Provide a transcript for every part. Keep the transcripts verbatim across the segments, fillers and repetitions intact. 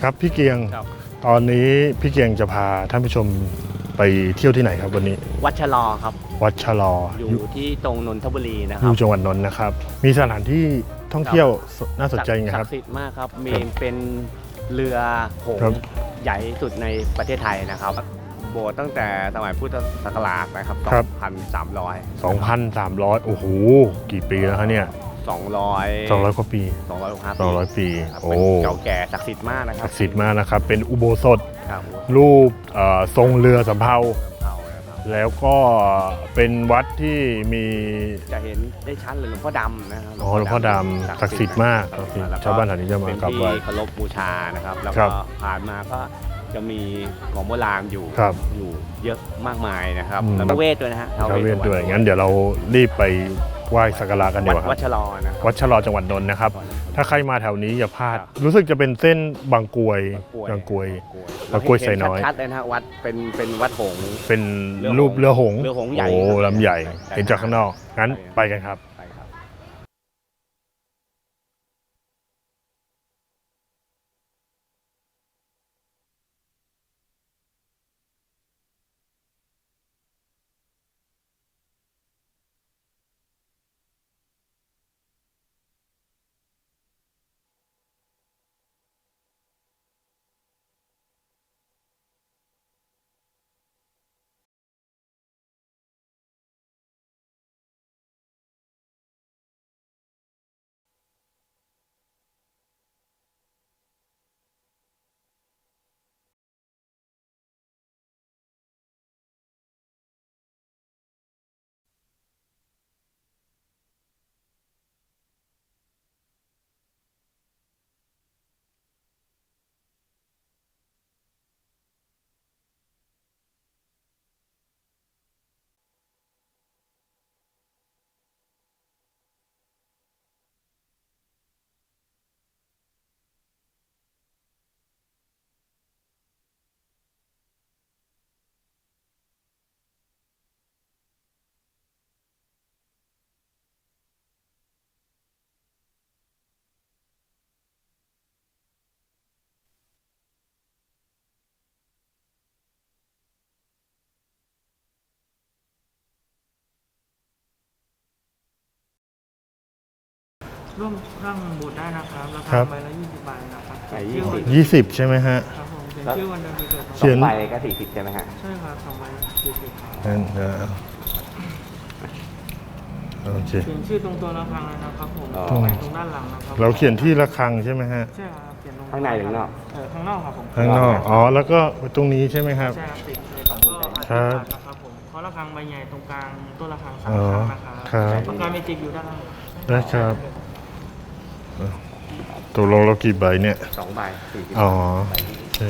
ครับพี่เกียงตอนนี้พี่เกียงจะพาท่านผู้ชมไปเที่ยวที่ไหนครับวันนี้วัดชะลอครับวัดชะลออยู่ที่ตรงนนทบุรีนะคอรับยู่จังหวัดนนท์นะครับมีสถานที่ท่องเที่ยวน่าสนใจไงครับศักดิ์สิทธิ์มากครับมีเป็นเรือหงส์ใหญ่สุดในประเทศไทยนะครับโบสถ์ตั้งแต่สมัยพุทธศักราชนะครับสองพันสามร้อยสองพันสามร้อยโอ้โหกี่ปีแล้วครับเนี่ยสองร้อยสองร้อยกว่าปีสองร้อยกว่าปีสองร้อยปีโอ้เก่าแก่ศักดิ์สิทธิ์มากนะครับศักดิ์สิทธิ์มากนะครับเป็นอุโบสถครับรูปทรงเรือสำเภาแล้วก็เป็นวัดที่มีจะเห็นได้ชัดเลยหลวงพ่อดำนะครับอ๋อหลวงพ่อดำศักดิ์สิทธิ์มากชาวบ้านแถวนี้จะมากราบไหว้เคารพบูชานะครับแล้วก็ผ่านมาก็จะมีของโบราณอยู่อยู่เยอะมากมายนะครับแล้วก็เวทด้วยนะฮะท้าวเวทด้วยงั้นเดี๋ยวเรารีบไปไหว้สักการะกันดีกว่าครับวัดชะลอนะวัดชะลอจังหวัดนนท์นะครับถ้าใครมาแถวนี้อย่าพลาดรู้สึกจะเป็นเส้นบางกรวยบางกรวยบางกรวยไซน้อยชัดเลยนะฮะวัดเป็นเป็นวัดหงส์เป็นรูปเรือหงส์เรือหงส์ใหญ่โอ้ลำใหญ่เห็นจากข้างนอกงั้นไปกันครับร่วมข้างบูธได้นะครับราคาใบละยี่สิบบาทนะครับยี่สิบใช่ไหมฮะครับผมเขียนชื่อวันเดือนปีเกิดสองใบก็สี่สิบใช่ไหมฮะใช่ครับสองใบสี่สิบครับนั่นเออโอเคเขียนชื่อตรงตัวระฆังนะครับผมตรงด้านหลังนะครับเราเขียนที่ระฆังใช่ไหมฮะใช่ครับเขียนตรงข้างในหรือข้างนอกเออข้างนอกครับผมข้างนอกอ๋อแล้วก็ตรงนี้ใช่ไหมครับใช่ครับติดเลยครับครับผมเพราะระฆังใบใหญ่ตรงกลางตัวระฆังสามครั้งนะครับปากกาเมจิกอยู่ด้านล่างได้ครับตัวลงเรากี่ใบเนี่ยสองใบสี่สิบอ๋อโอเค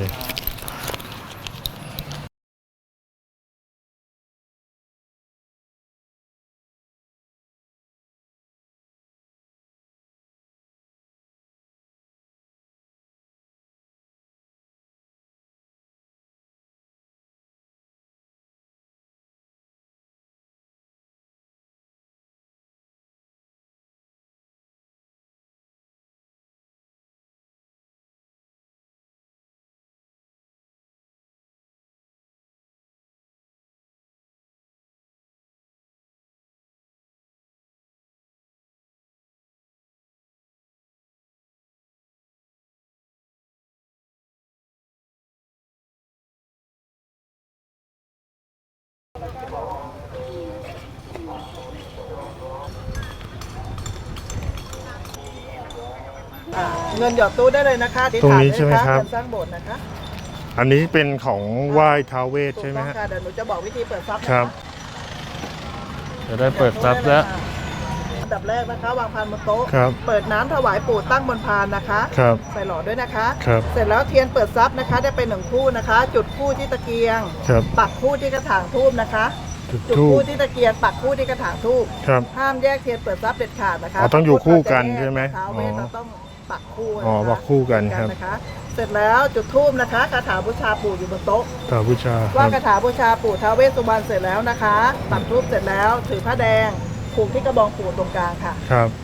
เงินหยอดตู้ได้เลยนะคะตรงนี้ใช่ไหมครับเงินสร้างโบสถ์นะคะอันนี้เป็นของไหว้ท้าวเวทใช่ไหมฮะเดี๋ยวหนูจะบอกวิธีเปิดซับครับจะได้เปิดซับแล้วอันดับแรกนะคะวางพานบนโต๊ะครับเปิดน้ำถวายปู่ตั้งบนพานนะคะครับใส่หลอดด้วยนะคะครับเสร็จแล้วเทียนเปิดซับนะคะได้เป็นหนึ่งคู่นะคะ จุดคู่ที่ตะเกียงครับปักคู่ที่กระถางทูบนะคะจุดคู่ที่ตะเกียงปักคู่ที่กระถางทูบครับห้ามแยกเทียนเปิดซับเด็ดขาดนะคะต้องอยู่คู่กันใช่ไหมท้าวเวทเราต้องปักคู่อ๋อปักคู่กันครับเสร็จแล้วจุดธูปนะคะคาถาบูชาปู่อยู่บนโต๊ะคาถาบูชาว่าคาถาบูชาปู่ท้าวเวสสุวรรณเสร็จแล้วนะคะปักธูปเสร็จแล้วถือผ้าแดงผูกที่กระบองปู่ตรงกลางค่ะครับ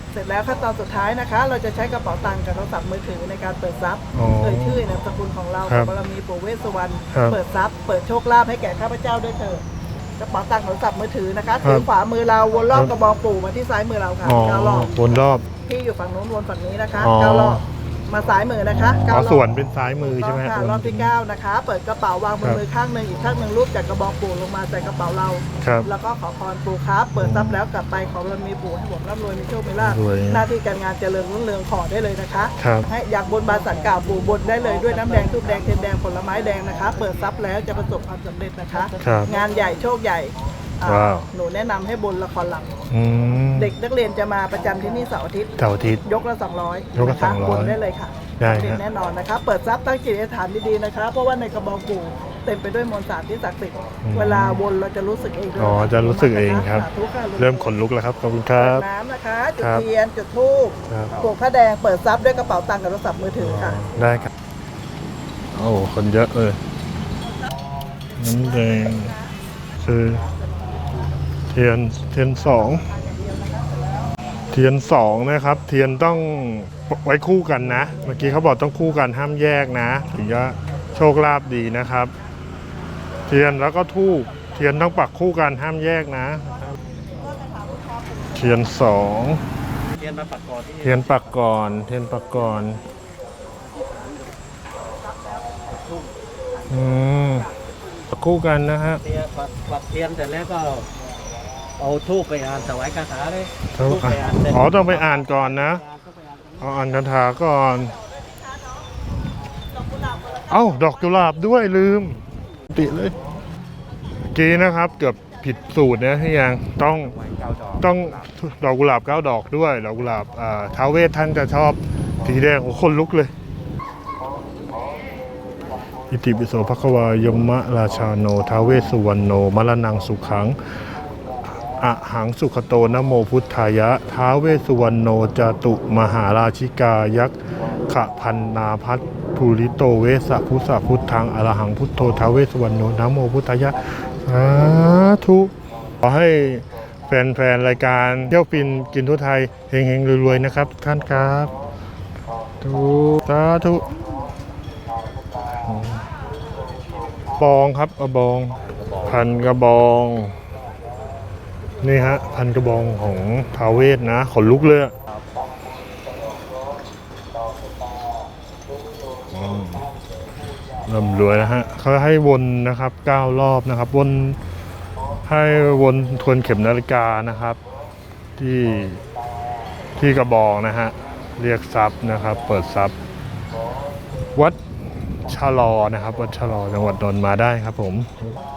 เสร็จแล้วขั้นตอนสุดท้ายนะคะ เราจะใช้กระเป๋าตังค์กับโทรศัพท์มือถือในการเปิดทรัพย์อ๋อเอ่ยชื่อนามสกุลของเราครับบารมีปู่เวสสุวรรณครับเปิดทรัพย์เปิดโชคลาภให้แก่ข้าพเจ้าด้วยเถิดกระเป๋าตังค์โทรศัพท์มือถือนะคะครับถือขวามือเราวนรอบครับกระบองปู่มาที่ซ้ายมือเราค่ะอ๋อเก้ารอบวนรอบที่อยู่ฝั่งโน้นวนฝั่งนี้นะคะอ๋อเก้ารอบมาซ้ายมือนะคะอ๋เก้าอรอบส่วนเป็นซ้ายมือใช่ไหมค่ะรอบที่เก้านะคะ เปิดกระเป๋าวางบนมือข้างหนึ่งอีกข้างหนึ่งรูปจากกระบอกปู่ลงมาใส่กระเป๋าเราครับแล้วก็ขอพรปู่ครับ เปิดทรัพย์แล้วกลับไปขอรมีปู่ให้ผมร่ำรวยมีโชคมีลาภรวยหน้าที่การงานเจริญรุ่งเรืองขอได้เลยนะคะครับให้อยากบนบานสันกล่าวปู่บนได้เลยด้วยน้ำแดงทูบแดงเทียนแดงผลไม้แดงนะคะ เปิดทรัพย์แล้วจะประสบความสำเร็จนะคะครับงานใหญ่โชคใหญ่อ่าว้าวหนูแนะนำให้บนละครหลังอืมเด็กนักเรียนจะมาประจำที่นี่เสาร์อาทิตย์เสาร์อาทิตย์ยกละสองร้อยยกละนคสองร้อยบนได้เลยค่ะได้ฮะเด็แน่นอนนะคะ เปิดทรัพย์ตั้งจิตอธิษฐานดีๆนะคะ เพราะว่าในกระบองปู่เต็มไปด้วยมนต์สารที่ศักดิ์สิทธิ์เวลาวนเราจะรู้สึกเองด้วยอ๋อจะรู้สึกเองครับสาธุค่ะเริ่มขนลุกแล้วครับขอบคุณครัเปิบดน้ำนะคะจุคดรับเทียนจุดธูปครับปลูกผ้าแดงเปิดทรัพย์ด้วยกระเป๋าตังค์กับโทรศัพท์มือถือค่ะได้ครับ โอ้คนเยอะเลยน้ำแดงคือเทียนเทียนสองเทียนสองนะครับ เทียนต้องไว้คู่กันนะ เมื่อกี้เขาบอกต้องคู่กันห้ามแยกนะ ถึงจะโชคลาภดีนะครับ เทียนแล้วก็ทูบเทียนต้องปักคู่กันห้ามแยกนะ เทียนสองเรียนมาปักกอที่เทียนปักก่อน เทียนปักก่อน อืมปักคู่กันนะฮะเทียนปักปักเทียนเสร็จแล้วก็เอาทูบไปอ่านถวายคาถาเลยต้องทูบไปอ่านเสร็จอ๋อต้องไปอ่านก่อนนะเอาอ่านคาถาก่อน เอ้า ดอกกุหลาบด้วยลืม ติเลยเมื่อกี้นะครับ เกือบผิดสูตรนะที่ยังต้องเก้าดอกต้องดอกกุหลาบเก้าดอกด้วย ดอกกุหลาบอ่าท้าวเวสท่านจะชอบสีแดงโอ้คนลุกเลย อิติปิโสภควายมะราชาโนท้าวเวสสุวรรณโนมรณังสุขังอะหังสุขโตนะโมพุทธายะท้าวเวสสุวรรณโนจาตุมหาราชิกายักษ์ขะพันนาพัทภูริโตเวสะพุทธะพุทธังอรหังพุทโธท้าวเวสสุวรรณโนนะโมพุทธายะสาธุขอให้แฟนๆรายการเที่ยวฟินกินทั่วไทยเฮงๆรวยๆนะครับทุกท่านครับทุสาธุบองครับกระบอง พันกระบอง นี่ฮะ พันกระบองของท้าวเวสนะ ขนลุกเลยอะอืมร่ำรวยนะฮะเขาให้วนนะครับเก้ารอบนะครับ วนให้วนทวนเข็มนาฬิกานะครับ ที่ที่กระบองนะฮะ เรียกทรัพย์นะครับ เปิดทรัพย์ วัดชะลอนะครับ วัดชะลอจังหวัดนนท์มาได้ครับผม